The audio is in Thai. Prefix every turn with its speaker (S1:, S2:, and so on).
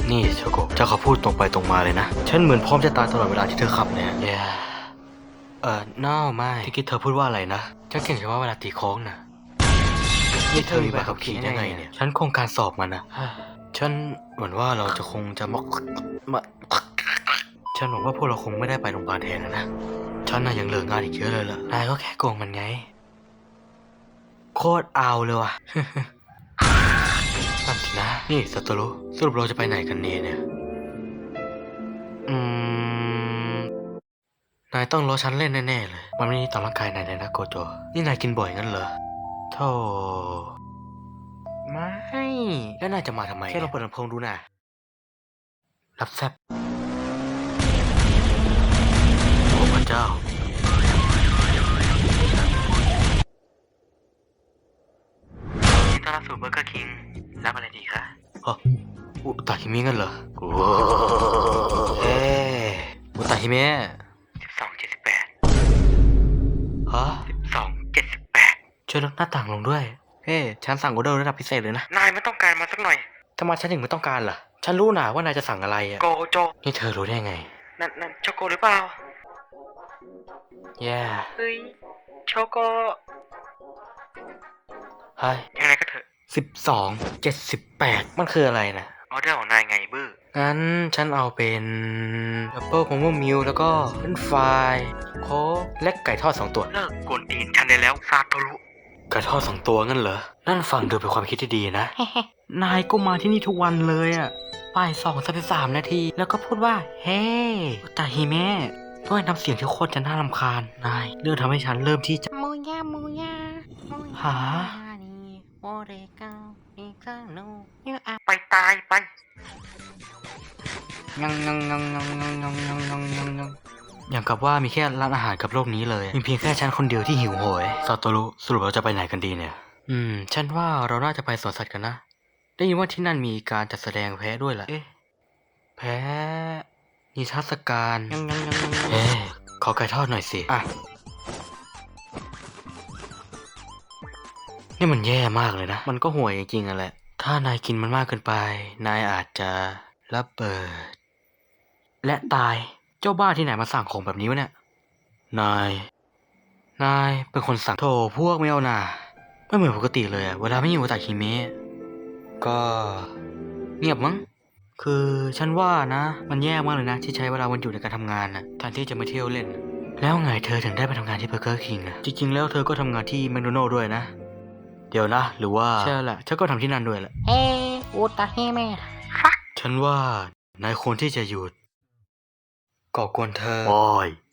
S1: นี่โชโกะเจ้าขอพูดตรงไปตรงมาเลยนะฉันเหมือนพร้อมจะตายตลอดเวลาที่เธอขับเนี่ยไม่ที่คิดเธอพูดว่าอะไรนะฉันเก่งเฉพาะเวลาตีโค้งนะนี่เธอมีใบขับขี่ได้ไงเนี่ยฉันคงการสอบมันนะฉันหวังว่าเราจะคงจะมาฉันหวังว่าพวกเราคงไม่ได้ไปโรงพยาบาลแทนนะฉันน่ะยังเหลืองานอีกเยอะเลยล่ะนายก็แค่โกงมันไงโคตรเอาเลยว่ะ นั่นสินะนี่สัตว์รู้สรุปเราจะไปไหนกันเนี่ยนายต้องรอฉันเล่นแน่ๆเลยมันไม่ดีต่อร่างกายนายเลยนะโกโจนี่นายกินบ่อยงั้นเหรอโธ่ไม่แล้วนายจะมาทำไมแค่เราเปิดลำโพงดูนะรับแซบโอ้พระเจ้ายินดีต้อนรับสู่เบอร์เกอร์คิงรับอะไรดีคะอุตาฮิเมะงั้นเหรอโอ้อุตาฮิเมะ1278ฮะ1278ช่วยลดหน้าต่างลงด้วยฉันสั่งออเดอร์ระดับพิเศษเลยนะนายไม่ต้องการมาสักหน่อยทำไมฉันถึงไม่ต้องการล่ะฉันรู้นะว่านายจะสั่งอะไรอะโกโจนี่เธอรู้ได้ไงนั่นโชโกหรือเปล่าเฮ้ยโชโกเฮ้ยยังไงก็เถอะ1278มันคืออะไรนะออเดอร์ของนายไงบื้องั้นฉันเอาเป็นดับเบิลมะม่วงมิลแล้วก็เป็นไฟโค้กและไก่ทอด2ตัวเลิกกวนตีนฉันได้แล้วซาโตรุไก่ทอด2ตัวงั้นเหรอนั่นฟังดูเป็นความคิดที่ดีนะ นายก็มาที่นี่ทุกวันเลยอะบ่าย2:33นาทีแล้วก็พูดว่าเฮ้อุตาฮิเมะด้วยน้ำเสียงที่โคตรจะน่ารำคาญนายเรื่องทำให้ฉันเริ่มที่จะ
S2: มูยามูยา
S1: หา
S2: โอเรกังอีกาโนยูอา
S1: ไปตายไปอย่างกับว่ามีแค่ร้านอาหารกับโลกนี้เลยมีเพียงแค่ฉันคนเดียวที่หิวโหยซาโตรุสรุปเราจะไปไหนกันดีเนี่ยฉันว่าเราน่าจะไปสวนสัตว์กันนะได้ยินว่าที่นั่นมีการจัดแสดงแพะด้วยล่ะแพะนิทรรศการขอไก่ทอดหน่อยสินี่มันแย่มากเลยนะมันก็ห่วยจริงๆอะแหละถ้านายกินมันมากเกินไปนายอาจจะระเบิดและตายเจ้าบ้าที่ไหนมาสั่งของแบบนี้วะเนี่ยนายเป็นคนสั่งโถพวกไม่เอาน่ะไม่เหมือนปกติเลยอะเวลาไม่อยู่กับตาคิเมะก็เงียบมั้งคือฉันว่านะมันแย่มากเลยนะที่ใช้เวลาวันหยุดในการทำงานนะแทนที่จะมาเที่ยวเล่นแล้วไงเธอถึงได้ไปทำงานที่เบอร์เกอร์คิงอะจริงๆแล้วเธอก็ทำงานที่แมคโดนัลด์ด้วยนะเดี๋ยวนะหรือว่าใช่แหละฉันก็ทำที่นั่นด้วยแหละ
S2: เฮ้อุตาฮิเมะ
S1: ฉันว่านายควรที่จะหยุดก่อกวนเธอโอ้ย